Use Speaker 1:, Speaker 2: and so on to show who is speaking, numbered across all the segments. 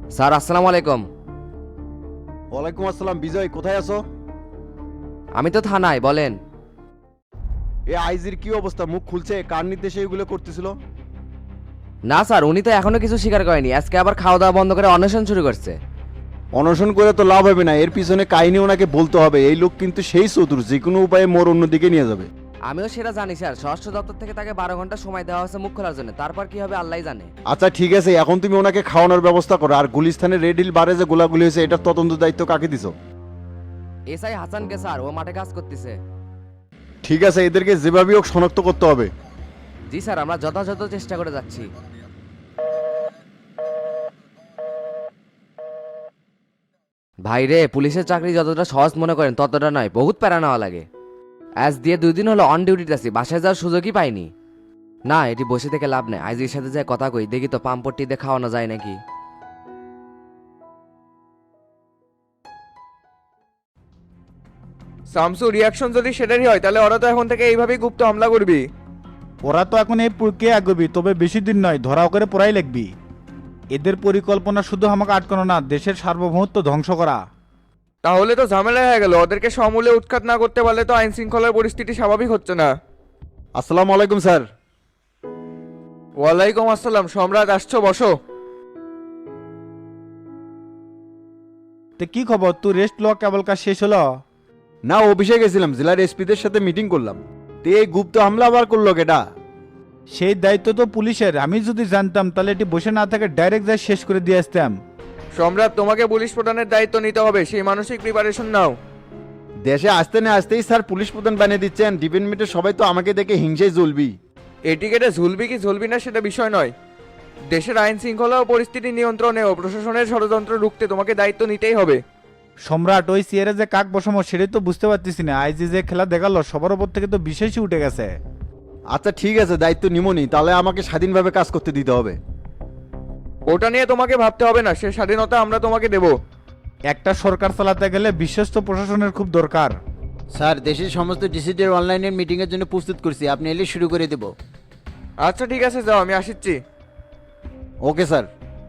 Speaker 1: Sir আসসালামু আলাইকুম।
Speaker 2: ওয়ালাইকুম আসসালাম। বিজয়, কোথায় আছো?
Speaker 1: আমি তো থানায়, বলেন।
Speaker 2: এ আইজির কি অবস্থা? মুখ খুলছে? কার নির্দেশে এগুলো করতেছিল?
Speaker 1: না স্যার, উনি তো এখনো কিছু স্বীকার করেনি, আজকে আবার খাওয়া দাওয়া বন্ধ করে অন্বেষণ শুরু করছে।
Speaker 2: অনশন করে তো লাভ হবে না, এর পিছনে কাহিনী ওনাকে বলতে হবে। এই লোক কিন্তু সেই চতুর, যে কোনো উপায়ে মোর অন্যদিকে নিয়ে যাবে।
Speaker 1: আমিও সেটা জানি স্যার, স্বরাষ্ট্র দপ্তর থেকে তাকে 12 ঘন্টা সময় দেওয়া হয়েছে মুখ খোলার জন্য, তারপর কি হবে আল্লাহই জানে।
Speaker 2: আচ্ছা ঠিক আছে, এখন তুমি ওনাকে খাওয়ানোর ব্যবস্থা করো। আর গুলিস্তানের রেড হিল বারে যে গোলাগুলি হয়েছে, এটার তদন্ত দায়িত্ব কাকে দিছো?
Speaker 1: এসআই হাসানকে স্যার, ও মাঠে কাজ করতেছে।
Speaker 2: ঠিক আছে, এদেরকে যেভাবেই হোক শনাক্ত করতে হবে।
Speaker 1: জি স্যার, আমরা যথাযথ চেষ্টা করে যাচ্ছি। ভাই রে, পুলিশের চাকরি যতটা সহজ মনে করেন ততটা নয়, বহুত প্যারা নেওয়া লাগে। আজ দিয়ে 2 দিন হলো অন ডিউটিতে আছি, বাসায় যাওয়ার সুযোগই পাইনি। না, এটি বসে থেকে লাভ নেই, আইজির সাথে যাই কথা কই, দেখি তো পাম্পট্টি দিয়ে খাওয়ানো যায় নাকি।
Speaker 3: সামসু, রিয়াকশন যদি সেটারই হয় তাহলে ওরা তো এখন থেকে এইভাবেই গুপ্ত হামলা করবি।
Speaker 4: ওরা তো এখন এই প্রক্রিয়া এগোবি, তবে বেশি দিন নয়, ধরাও করে পড়াই লিখবি। এদের পরিকল্পনা শুধু আমাকে আটকানো না, দেশের সার্বভৌমত্ব ধ্বংস করা।
Speaker 3: তাহলে তো ঝামেলা হয়ে গেল, ওদেরকে সমূলে উৎখাত না করতে পারলে তো আইন শৃঙ্খলার পরিস্থিতি স্বাভাবিক হচ্ছে না।
Speaker 2: আসসালামু আলাইকুম স্যার।
Speaker 3: ওয়ালাইকুম আসসালাম। সম্রাট, আসছো, বসো।
Speaker 4: তো কি খবর, তুই রেস্ট লওয়া কেবল কাজ শেষ হলো?
Speaker 2: না, অফিসে গেছিলাম, জেলার এসপিদের সাথে মিটিং করলাম। তে এই গুপ্ত হামলা আবার করলো কেটা?
Speaker 4: সেই দায়িত্ব তো পুলিশের। আমি যদি জানতাম তাহলে এটি বসে না থেকে ডাইরেক্ট যাই শেষ করে দিয়ে আসতাম।
Speaker 3: সম্রাট, তোমাকে পুলিশ প্রধানের দায়িত্ব নিতে হবে, সেই মানসিক প্রিপারেশন নাও।
Speaker 2: দেশে আসতে না আসতেই স্যার পুলিশ প্রধান বানিয়ে দিচ্ছেন। ডিপার্টমেন্টের সবাই তো আমাকে দেখে হিংসায় জ্বলবি।
Speaker 3: এটিকেটে ঝুলবি কি ঝুলবি না সেটা বিষয় নয়, দেশের আইন শৃঙ্খলা ও পরিস্থিতি নিয়ন্ত্রণে ও প্রশাসনের ষড়যন্ত্র রুখতে তোমাকে দায়িত্ব নিতেই হবে।
Speaker 4: সম্রাট, ওই সিয়ারে যে কাক বসামো সেটাই তো বুঝতে পারতেছি না। আইজি যে খেলা দেখালো সবার ওপর থেকে তো বিশেষই উঠে গেছে।
Speaker 2: আচ্ছা ঠিক আছে, দায়িত্ব নিমনি, তাহলে আমাকে স্বাধীনভাবে কাজ করতে দিতে হবে।
Speaker 3: ওটা নিয়ে তোমাকে ভাবতে হবে না, সে স্বাধীনতা আমরা তোমাকে দেব।
Speaker 4: একটা সরকার চালাতে গেলে বিশ্বস্ত প্রশাসনের খুব দরকার।
Speaker 5: স্যার, দেশের সমস্ত ডিসিদের অনলাইনের মিটিংয়ের জন্য প্রস্তুত করছি, আপনি এলে শুরু করে দেব।
Speaker 3: আচ্ছা ঠিক আছে, যাও, আমি আসছি।
Speaker 2: Okay sir.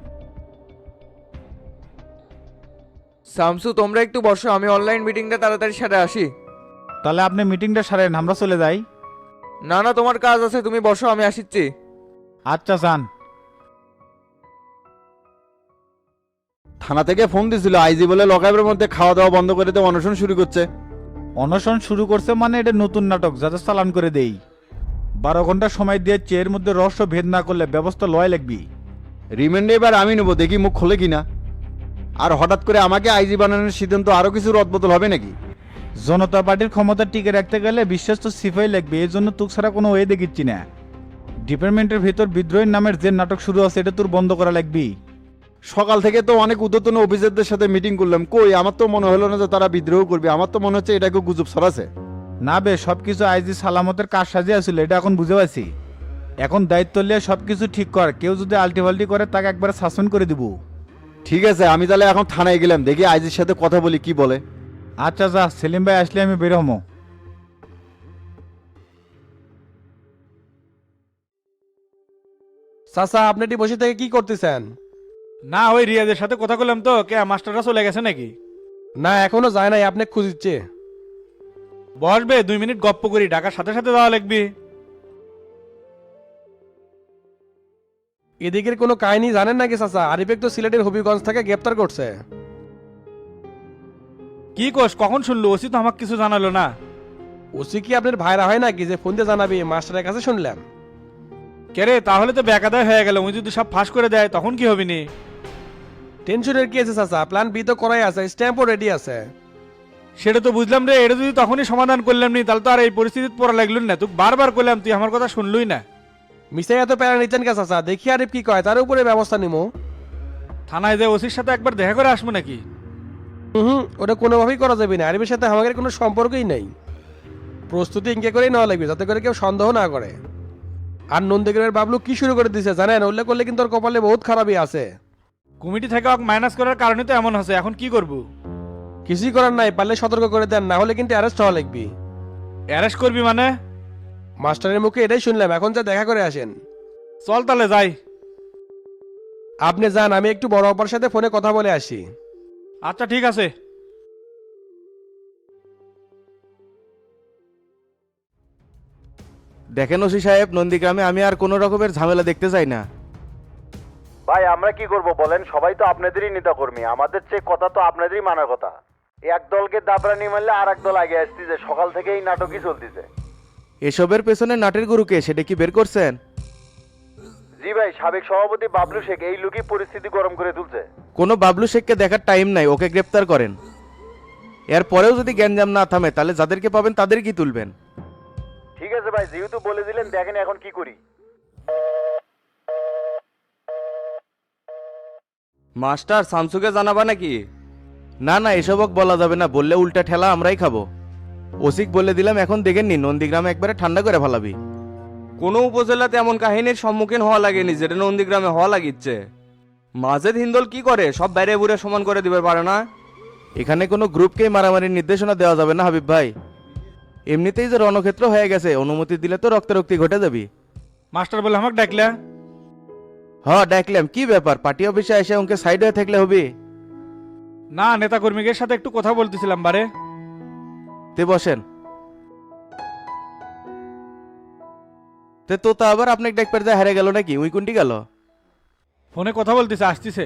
Speaker 3: শামসু, তোমরা একটু বসো, আমি অনলাইন মিটিংটা তাড়াতাড়ি সেরে আসি।
Speaker 4: তাহলে আপনি মিটিংটা সারেন, আমরা চলে যাই।
Speaker 3: না না, তোমার কাজ আছে, তুমি বসো, আমি আসছি।
Speaker 4: আচ্ছা যান।
Speaker 2: থানা থেকে ফোন দিছিল, আইজি বলে লকাপের মধ্যে খাওয়া দাওয়া বন্ধ করে দিয়ে অনশন শুরু করছে।
Speaker 4: অনশন শুরু করছে মানে এটা নতুন নাটক, যাতে চালান করে দেই। 12 ঘন্টা সময় দিয়ে চেয়ের মধ্যে রহস্য ভেদ না করলে ব্যবস্থা লয় লাগবি।
Speaker 2: রিমান্ডে এবার আমি নেবো, দেখি মুখ খোলে কিনা। আর হঠাৎ করে আমাকে আইজি বানানোর সিদ্ধান্ত আরো কিছু রদবদল হবে নাকি?
Speaker 4: জনতা পার্টির ক্ষমতা টিকে রাখতে গেলে বিশ্বস্ত সিফাই লাগবে, এই জন্য তুক ছাড়া কোনো ওয়ে দেখিচ্ছি না। ডিপার্টমেন্টের ভিতর বিদ্রোহীর নামের যে নাটক শুরু আছে এটা তোর বন্ধ করা লাগবি।
Speaker 2: সকাল থেকে তো অনেক উদ্যতন অফিসারদের সাথে মিটিং করলাম, কই আমার তো মনে হলো না যে তারা বিদ্রোহ করবে। আমার তো মনে হচ্ছে এটাকে গুজব ছড়াছে।
Speaker 4: না বে, সবকিছু আইজি সালামতের কাজ সাজিয়ে আসছিল, এটা এখন বুঝে পাচ্ছি। এখন দায়িত্ব নিয়ে সবকিছু ঠিক কর, কেউ যদি আলটিপাল্টি করে তাকে একবারে শাসন করে দিব।
Speaker 2: ঠিক আছে, আমি তাহলে এখন থানায় গেলাম, দেখি আইজির সাথে কথা বলি কি বলে।
Speaker 4: আচ্ছা যা, সেলিম ভাই আসলে আমি বের হমো।
Speaker 6: চাচা, আপনি এটি বসে থেকে কি করতেছেন?
Speaker 7: না, ওই রিয়াজের সাথে কথা বললাম তো। কে মাস্টাররা চলে গেছে নাকি?
Speaker 6: না, এখনো যায় নাই, আপনি খুঁজিচ্ছে।
Speaker 7: বসবে, 2 মিনিট গপ্প করি, ঢাকার সাথে সাথে যাওয়া লাগবে।
Speaker 6: এদিকের কোনো কাহিনী জানেন নাকি চাচা? আরিফেক তো সিলেটের হবিগঞ্জ থেকে গ্রেপ্তার করছে।
Speaker 7: কি কোষ, কখন শুনলো? ওসি তো আমাকে কিছু জানালো না।
Speaker 6: ওসি কি আপনার ভাইরা হয় নাকি যে ফোন দিয়ে জানাবি? মাস্টারের কাছে শুনলাম।
Speaker 7: কেরে, তাহলে তো বেকাদায় হয়ে গেল। উনি যদি সব ফাঁস করে দেয় তখন কি হবিনি?
Speaker 6: টেনশনের কি আছে চাচা? প্ল্যান বি তো করাই আছে, স্ট্যাম্পও রেডি আছে।
Speaker 7: সেটা তো বুঝলাম রে, এটা যদি তখনই সমাধান করলাম নি তাহলে তো আর এই পরিস্থিতিতে পড়া লাগলো না। তুই বারবার করলাম, তুই আমার কথা শুনলই না।
Speaker 6: মিসাই এত প্যারা নিচ্ছেন কে চাচা? দেখি আরিফ কি কয়, তার উপরে ব্যবস্থা নিবো।
Speaker 7: থানায় যে ওসির সাথে একবার দেখা করে আসবো নাকি?
Speaker 6: হুম, ওটা কোনোভাবেই করা যাবে না, আরিফের সাথে আমাদের কোনো সম্পর্কই নেই। প্রস্তুতি ইনকে করেই নেওয়া লাগবে, যাতে করে কেউ সন্দেহ না করে। আর নন্দীগ্রামের বাবলু কি শুরু করে দিছে জানেন? উল্লেখ করলে কিন্তু ওর কপালে বহুত খারাপই আছে।
Speaker 7: কমিটি থেকে মাইনাস করার কারণে তো এমন হচ্ছে। এখন কি করবো?
Speaker 6: কিছুই করার নাই, পারলে সতর্ক করে দেন, না হলে কিন্তু অ্যারেস্ট হওয়া লাগবে।
Speaker 7: অ্যারেস্ট করবি মানে?
Speaker 6: মাস্টারের মুখে এটাই শুনলাম, এখন যা দেখা করে আসেন।
Speaker 7: চল তাহলে যাই।
Speaker 6: আপনি যান, আমি একটু বড় অপার সাথে ফোনে কথা বলে আসি।
Speaker 7: আচ্ছা ঠিক আছে।
Speaker 8: দেখেন ওসি সাহেব, নন্দীগ্রামে আমি আর কোনো রকমের ঝামেলা দেখতে চাই না।
Speaker 2: ভাই আমরা কি করব বলেন, সবাই তো আপনাদেরই নেতা কর্মী, আমাদের চেয়ে কথা তো আপনাদেরই মানার কথা। এক দলকে দাবরানি মারলে আর এক দল আগে আসতেছে, সকাল থেকে এই নাটকই চলতেছে।
Speaker 8: এসবের পেছনে নাটের গুরুকে সেটা কি বের করছেন?
Speaker 2: জি ভাই, সাবেক সভাপতি বাবলু শেখ এই লোকই পরিস্থিতি গরম করে তুলছে।
Speaker 8: কোনো বাবলু শেখকে দেখার টাইম নাই, ওকে গ্রেপ্তার করেন। এরপরেও যদি গ্যাঞ্জাম না থামে তাহলে যাদেরকে পাবেন তাদের কি তুলবেন?
Speaker 2: ঠিক আছে ভাই, যেহেতু বলে দিলেন, দেখেন এখন কি করি।
Speaker 8: মাস্টার শামসুকে জানাবা নাকি? না না, এসবক বলা যাবে না, বললে উল্টা ঠেলা আমরাই খাবো। ওসিক বলে দিলাম, এখন দেখেননি নন্দীগ্রামে একবারে ঠান্ডা করে ফেলাবি। কোনো উপজেলাতে এমন কাহিনীর সম্মুখীন হওয়া লাগেনি যেটা নন্দীগ্রামে হওয়া লাগিচ্ছে। মাজেদ হিন্দল কি করে, সব বাইরে বুড়ে সমান করে দিবে পারে না। এখানে কোনো গ্রুপকেই মারামারির নির্দেশনা দেওয়া যাবে না হাবিব ভাই। এমনিতেই যে রণক্ষেত্র হয়ে গেছে, অনুমতি দিলে তো রক্তারক্তি ঘটে যাবি।
Speaker 7: মাস্টার বলে আমাকে ডাকলে?
Speaker 8: হ্যাঁ ডাকলাম, কি ব্যাপার, পার্টি অফিসে এসে ওকে সাইড হয়ে থাকলে হবে?
Speaker 7: না, নেতা কর্মীদের সাথে একটু কথা বলতেছিলাম বারে।
Speaker 8: তে বসেন। তে তো তা আবার আপনাকে ডাকপার যা হারে গেল নাকি, উই কোনটি গেল?
Speaker 7: ফোনে কথা বলতেছে, আসতেছে।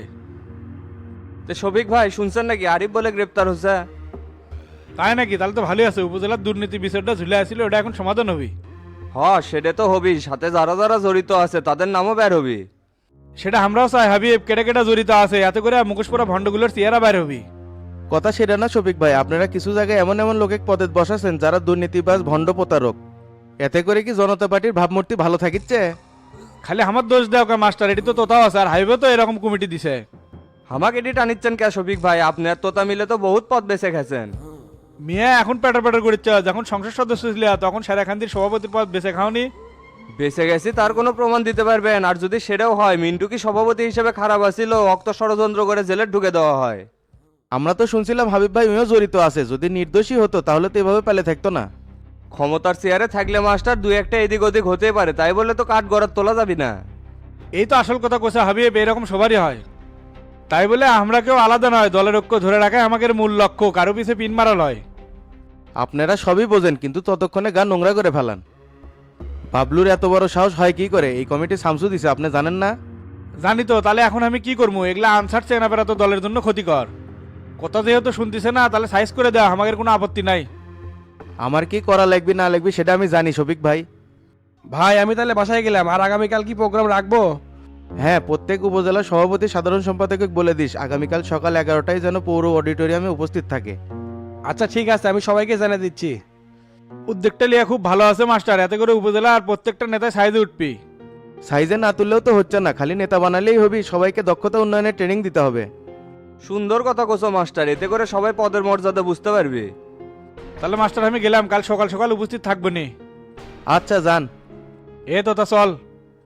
Speaker 8: তে শফিক ভাই শুনছেন নাকি আরিফ বলে গ্রেপ্তার হচ্ছে?
Speaker 7: তাই নাকি? তাহলে তো ভালোই আছে। উপজেলার দুর্নীতি বিষয়টা ঝুলে আসছিল, ওটা এখন সমাধান হবি।
Speaker 8: হ্যাঁ সেটা তো হবি, সাথে যারা যারা জড়িত আছে তাদের নামও বের হবি।
Speaker 7: সেটা আমরাও চাই হাবিব, কেটে কেটে জড়িত আছে, এতে করে মুখোশ পরা ভণ্ডগুলোর চেহারা বাইর হবি।
Speaker 8: কথা সেটা না শফিক ভাই, আপনারা কিছু জায়গায় এমন এমন লোকে পদে বসাছেন যারা দুর্নীতিবাজ ভণ্ড প্রতারক। এতে করে কি জনতা পার্টির ভাবমূর্তি ভালো থাকিচ্ছে?
Speaker 7: খালি আমার দোষ দেওয়া কা মাস্টার, এটি তো তোতাও আছে, আর হাইবে তো এরকম কমিটি দিছে।
Speaker 8: আমাকে এটি টানিচ্ছেন কে শফিক ভাই? আপনি আর তোতা মিলে তো বহুত পদ বেঁচে গেছেন।
Speaker 7: মিয়া এখন প্যাটার প্যাটার করিচ্ছে, যখন সংসদ সদস্য ছিল তখন সেরাখান্তির সভাপতির পদ বেছে খাওনি।
Speaker 8: বেঁচে গেছি তার কোনো প্রমাণ দিতে পারবেন? আর যদি সেটাও হয়, মিন্টু কি সভাপতি হিসেবে খারাপ আছিল, অক্ত ষড়যন্ত্র করে জেলে ঢুকে দেওয়া হয়। আমরা তো শুনছিলাম হাবিব ভাই উনিও জড়িত আছে, যদি নির্দোষী হতো তাহলে তো এভাবে পেলে থাকতো না। ক্ষমতার চেয়ারে থাকলে মাস্টার দুই একটা এদিক ওদিক হতে পারে, তাই বলে তো কাঠ গড়ার তোলা যাবি না।
Speaker 7: এই তো আসল কথা কোসা হাবিব, এরকম সবারই হয়। তাই বলে আমরা কেউ আলাদা নয়, দলের ঐক্য ধরে রাখাই আমাদের মূল লক্ষ্য, কারো পিছে পিন মারা লয়।
Speaker 8: আপনারা সবই বোঝেন, কিন্তু ততক্ষণে গা নোংরা করে ফেলান। বাবলুর এত বড় সাহস হয় কি করে? এই কমিটি শামসু দিছে, আপনি জানেন না?
Speaker 7: জানি তো, তাহলে এখন আমি কি করবো? এগুলা আনসার চেনা বেড়া তো দলের জন্য ক্ষতিকর। কথা যেহেতু শুনতেছে না, তাহলে সাইজ করে দেওয়া আমাদের কোনো আপত্তি নাই।
Speaker 8: আমার কি করা লাগবে না লাগবে সেটা আমি জানি শফিক ভাই।
Speaker 6: ভাই আমি তাহলে বাসায় গেলাম, আর আগামীকাল কি প্রোগ্রাম রাখবো?
Speaker 8: হ্যাঁ, প্রত্যেক উপজেলা সভাপতি সাধারণ সম্পাদককে বলে দিস আগামীকাল সকাল 11টায় যেন পৌর অডিটোরিয়ামে উপস্থিত থাকে।
Speaker 6: আচ্ছা ঠিক আছে, আমি সবাইকে জানিয়ে দিচ্ছি।
Speaker 7: উদ্যোগটা লিয়ে খুব ভালো আছে মাস্টার, এতে করে উপজেলা আর প্রত্যেকটা নেতায় সাইজে উঠবি।
Speaker 8: সাইজে না তুললেও তো হচ্ছে না, খালি নেতা বানালেই হবি, সবাইকে দক্ষতা উন্নয়নের ট্রেনিং দিতে হবে। সুন্দর কথা কোসো মাস্টার, এতে করে সবাই পদের মর্যাদা বুঝতে পারবে।
Speaker 7: তাহলে মাস্টার আমি গেলাম, কাল সকাল সকাল উপস্থিত থাকবো নি।
Speaker 8: আচ্ছা যান।
Speaker 7: এ তো তা চল।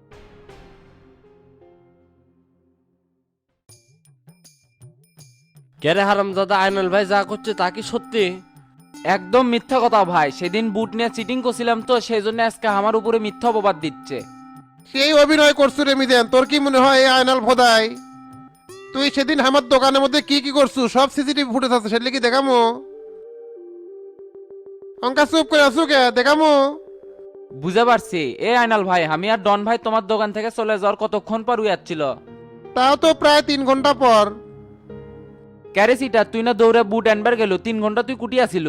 Speaker 9: কেরে হারামজাদা, আইনাল ভাই যা করছে তা কি সত্যি? একদম মিথ্যা কথা ভাই, সেদিন বুট নিয়ে চিটিং করছিলাম তো, সেই জন্য আজকে আমার উপরে মিথ্যা অপবাদ দিচ্ছে।
Speaker 10: সেই অভিনয় করছু রে মিদেন, তোর কি মনে হয় এই আয়নাল ভোদাই? তুই সেদিন আমার দোকানের মধ্যে কি কি করছু সব সিসিটিভি ফুটেজ আছে, সেটা কি দেখামো? অঙ্কা চুপ করে আসু কে, দেখামো?
Speaker 9: বুঝে পারছি। এ আইনাল ভাই, আমি আর ডন ভাই তোমার দোকান থেকে চলে যাওয়ার কতক্ষণ পর উয়াচ্ছিল?
Speaker 10: তাও তো প্রায় 3 ঘন্টা পর।
Speaker 9: ক্যারেসিটা তুই না দৌড়ে বুট আনবার গেল, 3 ঘন্টা তুই কুটি আসিল।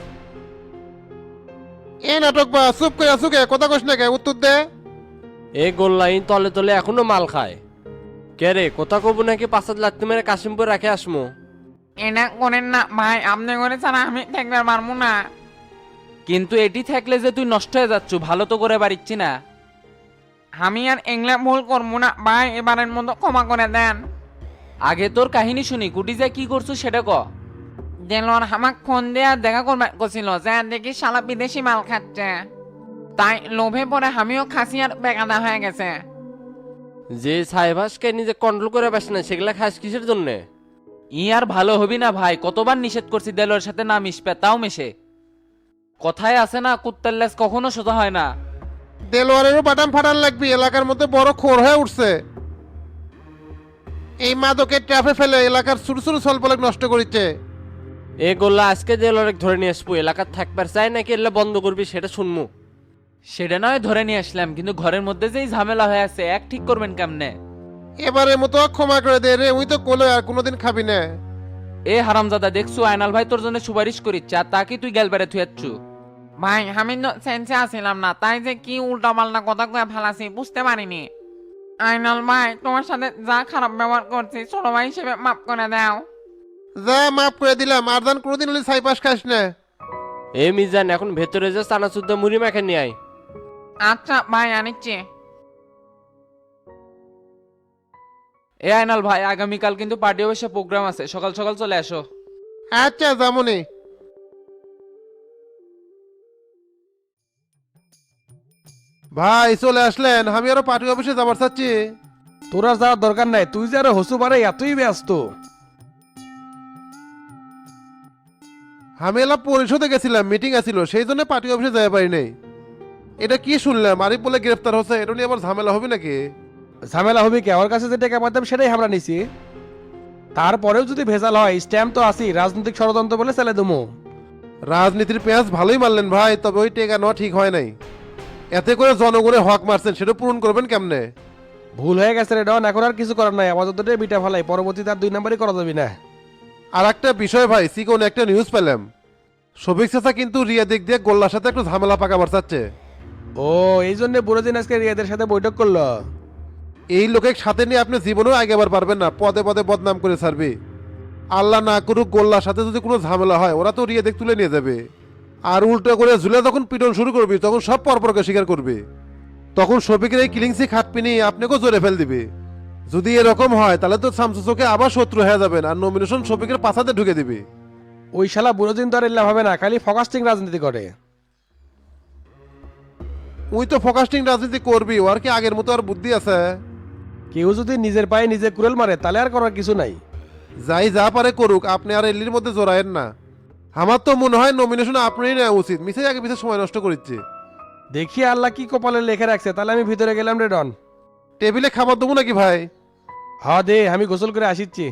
Speaker 10: এ নাটক বা, চুপ করে আসু কে, কথা কস না কে, উত্তর দে।
Speaker 11: এই গোল লাইন তলে তলে এখনো মাল খায়। কে রে, কথা কব নাকি 5 লাখ মেরে কাশিমপুর রাখে আসমো?
Speaker 12: এটা করেন না ভাই, আপনি করে ছাড়া আমি থাকতে পারবো না।
Speaker 9: কিন্তু এটি থাকলে যে তুই নষ্ট হয়ে যাচ্ছ, ভালো তো করে পারিচ্ছি না।
Speaker 12: আমি আর এগুলা ভুল করবো না ভাই, এবারের মতো ক্ষমা করে দেন।
Speaker 9: আগে তোর কাহিনী শুনি, কুটি যা কি করছো সেটা ক।
Speaker 12: দেলোয়ার আমাকে ফোন দিয়ে দেখা করবে করছিল, যে দেখি শালা বিদেশি মাল খাচ্ছে, তাই লোভে পড়ে আমিও খাসি আর বেকাদা হয়ে গেছে।
Speaker 11: যে সাহেবাসকে নিজে কন্ট্রোল করে পাস না, সেগুলা খাস কিসের জন্যে?
Speaker 9: ই আর ভালো হবি না ভাই, কতবার নিষেধ করছি দেলোর সাথে না মিশবে, তাও মেশে। কথায় আছে না, কুত্তার লেজ কখনো সোজা হয় না।
Speaker 10: দেলোয়ারেরও বাটাম ফাটান লাগবি, এলাকার মধ্যে বড় খোর হয়ে উঠছে। এই মাদকের ট্রাফে ফেলে এলাকার ছোট ছোট সলপলক নষ্ট করেছে।
Speaker 11: এ গোল্লা আজকে জেলরেক ধরে নিয়ে আসবো, এলাকার থাকবার চাই নাকি এলে বন্ধ করবি সেটা শুনমু।
Speaker 9: সেটা নয় ধরে নিয়ে আসলাম, কিন্তু ঘরের মধ্যে যেই ঝামেলা হয়ে আছে এক ঠিক করবেন কেমনে?
Speaker 10: এবারের মতো ক্ষমা করে দে রে, উই তো কোলে আর কোনোদিন খাবি না।
Speaker 9: এ হারামজাদা দেখছু আয়নাল ভাই তোর জন্য সুপারিশ করিচ্ছে, আর তা কি তুই গেল বেড়ে থুয়াচ্ছু?
Speaker 12: ভাই আমি সেন্সে আসিলাম না, তাই যে কি উল্টা পাল্টা কথা কয়ে ফেলাছি বুঝতে পারিনি। আইনাল ভাই তোমার সাথে যা খারাপ ব্যবহার করছি ছোট ভাই হিসেবে মাফ করে দাও।
Speaker 10: যা মাফ করে দিলাম, আর দান কোনোদিন হলে ছাইপাস খাস না।
Speaker 11: এ মিজান এখন ভেতরে যে চানাচুদ্দা মুড়ি মাখে নিয়ে আয়।
Speaker 12: আচ্ছা ভাই আনিচ্ছি।
Speaker 9: এ আয়নাল ভাই আগামীকাল কিন্তু পার্টি অফিসে প্রোগ্রাম আছে, সকাল সকাল চলে আসো।
Speaker 10: আচ্ছা যেমনই। ভাই চলে আসলেন, আমি আরো পার্টি অফিসে যাবার চাচ্ছি।
Speaker 6: তোরা যাওয়ার দরকার নাই, তুই যে আরো হসু পারে এতই ব্যস্ত।
Speaker 10: আমি এলাম পরিষদে গেছিলাম, মিটিং আছিল, সেই জন্য পার্টি অফিসে যাওয়া পারি নাই। এটা কি শুনলাম আরিফ বলে গ্রেফতার হচ্ছে, এটা নিয়ে আবার ঝামেলা হবে নাকি?
Speaker 6: ঝামেলা হবে কি, ওর কাছে যে টাকা পাইতাম সেটাই আমরা নিছি। তারপরেও যদি ভেজাল হয় স্ট্যাম্প তো আছি, রাজনৈতিক ষড়যন্ত্র বলে চালে দেবো।
Speaker 10: রাজনীতির পেঁয়াজ ভালোই মারলেন ভাই, তবে ওই টেকা নেওয়া ঠিক হয় নাই। এতে করে জনগণের হক মারছেন, সেটা পূরণ করবেন কেমনে?
Speaker 6: ভুল হয়ে গেছে রে ডন, এখন আর কিছু করার নাই, আপাতত বিটা ফেলাই, পরবর্তীতে আর 2 নাম্বারই করা যাবে না।
Speaker 10: আর একটা বিষয় ভাই, সিকোন একটা নিউজ পেলাম, শফিক চাচা কিন্তু রিয়া দিক দিয়ে গোল্লার সাথে একটু ঝামেলা পাকাবার চাচ্ছে।
Speaker 6: ও এই জন্য বুড়োদিন আজকে রিয়াদের সাথে বৈঠক করলো।
Speaker 10: এই লোকের সাথে নিয়ে আপনি জীবনেও আগেবার পারবেন না, পদে পদে বদনাম করে ছাড়বে। আল্লাহ না করুক গোল্লার সাথে যদি কোনো ঝামেলা হয়, ওরা তো রিয়া দিক তুলে নিয়ে যাবে। আর উল্টো করে ঝুলে যখন পিটন শুরু করবি, তখন সব পরপরকে স্বীকার করবে। তখন শফিকের এই কিলিংসি খাটপিনি আপনাকেও জোরে ফেল দিবে। যদি এরকম হয় তাহলে তো শামসু চোখে আবার শত্রু হয়ে যাবেন, আর নমিনেশন শফিকের পাছাতে ঢুকে দিবে।
Speaker 6: ওই শালা বুড়োদিন তো আর এলাম হবে না, খালি ফোকাস্টিং রাজনীতি করে।
Speaker 10: উই তো ফোকাস্টিং রাজনীতি করবি, ওর কি আগের মতো আর বুদ্ধি আছে?
Speaker 6: কেউ যদি নিজের পায়ে নিজে কুড়েল মারে তাহলে আর করার কিছু নাই।
Speaker 10: যাই যা পারে করুক, আপনি আর এলির মধ্যে জড়ায়েন না। আমার তো মনে হয় নমিনেশন আপনারই নেওয়া উচিত, মিছে আগে পিছে সময় নষ্ট করিচ্ছে।
Speaker 6: দেখি আল্লাহ কি কপালে লেখে রাখছে, তাহলে আমি ভিতরে গেলাম রে ডন।
Speaker 10: টেবিলে খাবার দেবো নাকি ভাই?
Speaker 6: হ্যাঁ দে, আমি গোসল করে আসিচ্ছি।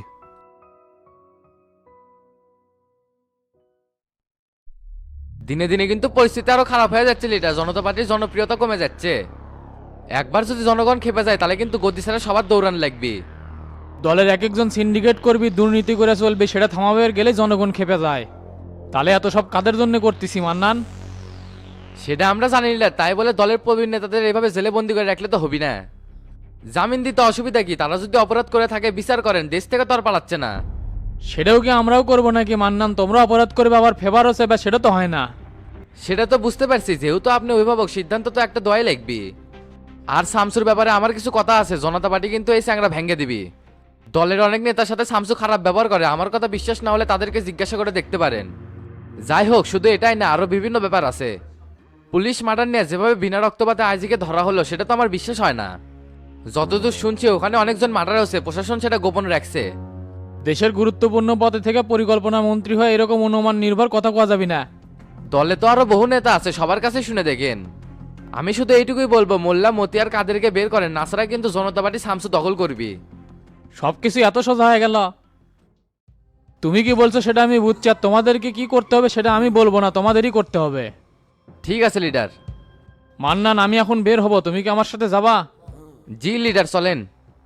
Speaker 1: দিনে দিনে কিন্তু পরিস্থিতি আরো খারাপ হয়ে যাচ্ছে লিডার, জনতা পার্টির জনপ্রিয়তা কমে যাচ্ছে। একবার যদি জনগণ খেপে যায় তাহলে কিন্তু গদি ছাড়া সবার দৌড়ান লাগবে।
Speaker 7: দলের এক একজন সিন্ডিকেট করবি, দুর্নীতি করে চলবে, সেটা থামাবে গেলে জনগণ খেপে যায়। তাহলে এত সব কাদের জন্য করতেছি মান্নান?
Speaker 1: সেটা আমরা জানি না, তাই বলে দলের প্রবীণ নেতাদের এভাবে জেলে বন্দি করে রাখলে তো হবি না। জামিন দিতে অসুবিধা কি? তারা যদি অপরাধ করে থাকে বিচার করেন, দেশ থেকে তো আর পালাচ্ছে না।
Speaker 7: সেটাও কি আমরাও করবো নাকি মান্নান? তোমরা অপরাধ করবে আবার ফেভার হচ্ছে, বা সেটা তো হয় না।
Speaker 1: সেটা তো বুঝতে পারছি, যেহেতু আপনি অভিভাবক সিদ্ধান্ত তো একটা দোয়াই লাগবে। আর শামসুর ব্যাপারে আমার কিছু কথা আছে, জনতা পার্টি কিন্তু এই চ্যাংরা ভেঙে দিবি। দলের অনেক নেতার সাথে শামসু খারাপ ব্যবহার করে, আমার কথা বিশ্বাস না হলে তাদেরকে জিজ্ঞাসা করে দেখতে পারেন। যাই হোক, শুধু এটাই না, আরো বিভিন্ন ব্যাপার আছে। পুলিশ মার্ডার নিয়ে যেভাবে বিনা রক্তপাতে আইজিকে ধরা হলো, সেটা তো আমার বিশ্বাস হয় না। যতদূর শুনছি ওখানে অনেকজন মার্ডার হয়েছে, প্রশাসন সেটা গোপন রাখছে।
Speaker 7: দেশের গুরুত্বপূর্ণ পদে থেকে পরিকল্পনা মন্ত্রী হয়ে এরকম অনুমান নির্ভর কথা কোয়া যাবি না।
Speaker 1: দলে তো আরো বহু নেতা আছে, সবার কাছে শুনে দেখেন। আমি শুধু এইটুকুই বলবো, মোল্লা মতিয়ার কাদেরকে বের করেন, নাছাড়া কিন্তু জনতা পার্টি শামসু দখল করবি।
Speaker 7: সবকিছু এত সোজা হয়ে গেল? তুমি কি বলছো সেটা আমি বুঝছি, আর তোমাদেরকে কি করতে হবে সেটা আমি বলবো না, তোমাদেরই করতে হবে।
Speaker 1: ঠিক আছে লিডার।
Speaker 7: মান্নান আমি এখন বের হব, তুমি কি আমার সাথে যাবা?
Speaker 1: জি লিডার, চলেন।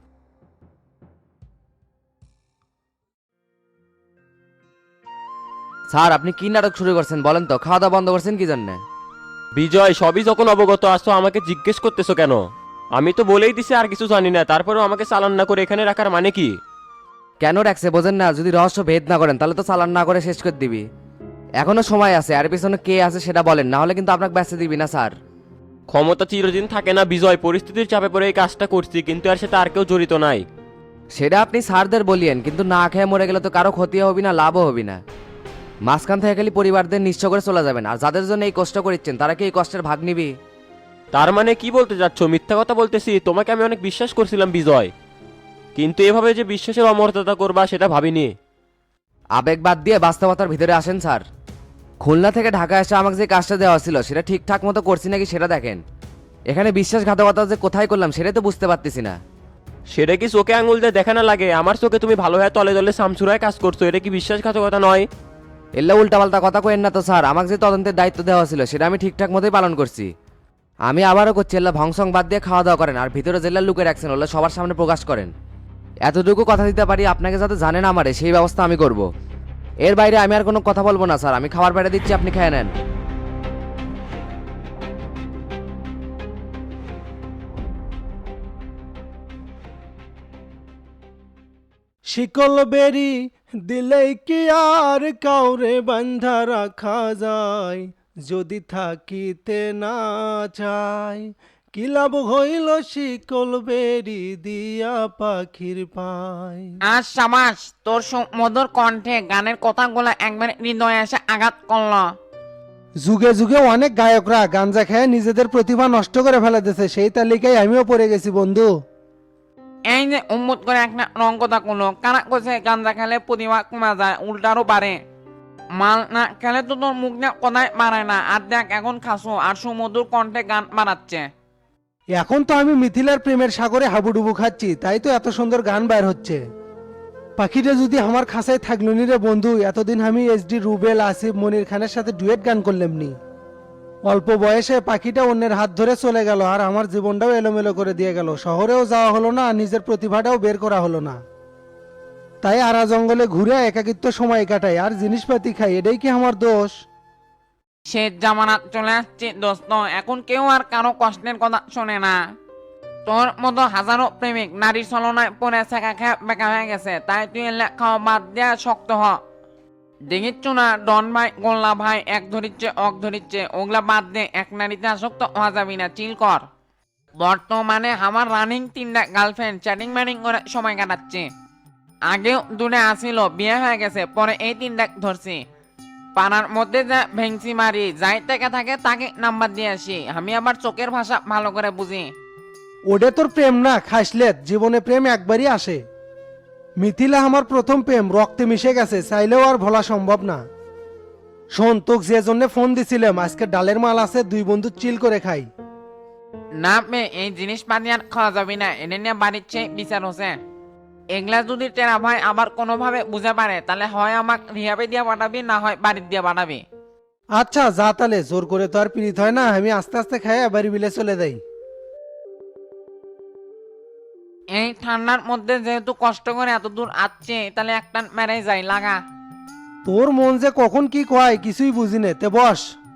Speaker 1: স্যার আপনি কি নাটক শুরু করছেন বলেন তো? খাওয়া দাওয়া বন্ধ করছেন কি জন্য?
Speaker 11: বিজয়, সবই যখন অবগত আসছো আমাকে জিজ্ঞেস করতেছো কেন? আমি তো বলেই দিছি আর কিছু জানি না, তারপরেও আমাকে চালান না করে এখানে রাখার মানে কি?
Speaker 1: কেন রাখছে বোঝেন না? যদি রহস্য ভেদ না করেন তাহলে তো চালান না করে শেষ করে দিবি। এখনো সময় আছে, আর পিছনে কে আছে সেটা বলেন, না হলে কিন্তু আপনাকে ব্যস্ত দিবি না স্যার।
Speaker 11: ক্ষমতা চিরদিন থাকে না বিজয়, পরিস্থিতির চাপে পড়ে এই কাজটা করছি, কিন্তু আর সেটা আর কেউ জড়িত নাই।
Speaker 1: সেটা আপনি স্যারদের বলিয়েন, কিন্তু না খেয়ে মরে গেলে তো কারো ক্ষতি হবি না, লাভও হবি না। মাঝখান থেকে খালি পরিবারদের নিঃস্ব করে চলে যাবেন, আর যাদের জন্য এই কষ্ট করিচ্ছেন তারা কি এই কষ্টের ভাগ নিবি?
Speaker 11: তার মানে কি বলতে যাচ্ছ? মিথ্যা কথা বলতেছি? তোমাকে আমি অনেক বিশ্বাস করছিলাম বিজয়, কিন্তু এভাবে যে বিশ্বাসের অমর্যাদা করবা সেটা ভাবিনি।
Speaker 1: আবেগ বাদ দিয়ে বাস্তবতার ভিতরে আসেন স্যার। খুলনা থেকে ঢাকা এসে আমাকে যে কাজটা দেওয়া ছিল সেটা ঠিকঠাক মতো করছি নাকি সেটা দেখেন। এখানে বিশ্বাসঘাতকতা যে কোথায় করলাম সেটাই তো বুঝতে পারতেছি না।
Speaker 11: সেটা কি চোখে আঙুল দিয়ে দেখা না লাগে? আমার চোখে তুমি ভালো হয়ে তলে তলে সামসুরায় কাজ করছো, এটা কি বিশ্বাসঘাতকতা নয়?
Speaker 1: এল্লা উল্টাপাল্টা কথা কইেন না তো স্যার, আমাকে যে তদন্তের দায়িত্ব দেওয়া ছিল সেটা আমি ঠিকঠাক মতোই পালন করছি। আমি আবারও করছি, এল্লা ভংসং বাদ দিয়ে খাওয়া দাওয়া করেন আর ভিতরে জেলা লুকে রাখছেন ওগুলো সবার সামনে প্রকাশ করেন। এতটুকু কথা দিতে পারি আপনাকে যাতে জানেন আমারে সেই ব্যবস্থা আমি করব। এর বাইরে আমি আর কোনো কথা বলবো না স্যার, আমি খাবার বেড়ে দিচ্ছি, আপনি খেয়ে নেন।
Speaker 13: শিকল বেরি দিলেই কি আর কাউরে বান্ধা রাখা যায়, যদি থাকিতে না চায় কি লাভ হইল শিকল বেরি দিয়া পাখির পায়।
Speaker 12: আর সাবাস, তোর মধুর কণ্ঠে গানের কথাগুলো একবার হৃদয়ে এসে আঘাত করলো।
Speaker 13: যুগে যুগে অনেক গায়করা গাঞ্জা খেয়ে নিজেদের প্রতিভা নষ্ট করে ফেলে দিয়েছে, সেই তালিকায় আমিও পড়ে গেছি বন্ধু।
Speaker 12: এই যে উম্মত করে একটা রং কথা কোনো কারা কইছে গাঞ্জা খেলে প্রতিভা কমা যায়, উল্টারও পারে। মাল না খেলে তো তোর মুখ না কোথায় মারায় না, আর দেখ এখন খাসো আর সুমধুর কণ্ঠে গান বানাচ্ছে।
Speaker 13: এখন তো আমি মিথিলার প্রেমের সাগরে হাবুডুবু খাচ্ছি, তাই তো এত সুন্দর গান বের হচ্ছে। পাখিটা যদি আমার খাঁচায় থাকলো নি রে বন্ধু, এতদিন আমি এসডি রুবেল আসিফ মনির খানের সাথে ডুয়েট গান করলাম নি। অল্প বয়সে পাখিটা অন্যের হাত ধরে চলে গেল আর আমার জীবনটাও এলোমেলো করে দিয়ে গেল। শহরেও যাওয়া হলো না, নিজের প্রতিভাটাও বের করা হলো না। তাই আরা জঙ্গলে ঘুরে একাকিত্ব সময় কাটাই আর জিনিসপাতি খাই, এটাই কি আমার দোষ?
Speaker 12: সে জামানা চলে আসছে দোস্ত, এখন কেউ আর কারো কষ্টের কথা শোনে না। তোর মতো হাজারো প্রেমিক নারীর ছলনায় পরে শেখা খেয়ে বেকা হয়ে গেছে, তাই তুই এলে খাওয়া বাদ দেয়া শক্ত হ। দেখিচ্ছ না ডন ভাই গোল্লা ভাই এক ধরিচ্ছে অক ধরিচ্ছে, ওগুলা বাদ দে, এক নারীতে আসক্ত হওয়া যাবি না, চিল কর। বর্তমানে আমার রানিং 3টা গার্লফ্রেন্ড চ্যাটিং ম্যাটিং করে সময় কাটাচ্ছে। আগেও 2টা আসিল, বিয়ে হয়ে গেছে, পরে এই 3টা ধরছি। পাড়ার মধ্যে যা ভেংসি মারি, যাই থেকে থাকে তাকে নাম্বার দিয়ে আসি, আমি আবার চোখের ভাষা ভালো করে বুঝি।
Speaker 13: ওটা তোর প্রেম না খাসলেত, জীবনে প্রেম একবারই আসে। মিথিলা আমার প্রথম প্রেম, রক্তে মিশে গেছে, চাইলেও আর ভোলা সম্ভব না। শোন, তোকে যে জন্য ফোন দিছিলাম, আজকে ডালের মাল আছে, 2 বন্ধু চিল করে খাই।
Speaker 12: না মে এই জিনিসপাতি আর খাওয়া যাবি না, এনে নিয়ে বাড়ির চেয়ে বিচার হচ্ছে। এগুলা যদি টেরা ভাই আবার কোনোভাবে বুঝে পারে, তাহলে হয় আমাকে রিহাবে দিয়ে পাঠাবি, না হয় বাড়ির দিয়ে পাঠাবি।
Speaker 13: আচ্ছা যা, তাহলে জোর করে তো আর পীড়িত হয় না, আমি আস্তে আস্তে খাই বাড়ি বিলে চলে যাই।
Speaker 12: এই ঠান্ডার মধ্যে যেহেতু কষ্ট করে এত দূর আসছে, তাহলে একটা মেরে যাই লাগা।
Speaker 13: তোর মন যে কখন কি কয় কিছুই বুঝি নে, তে বস।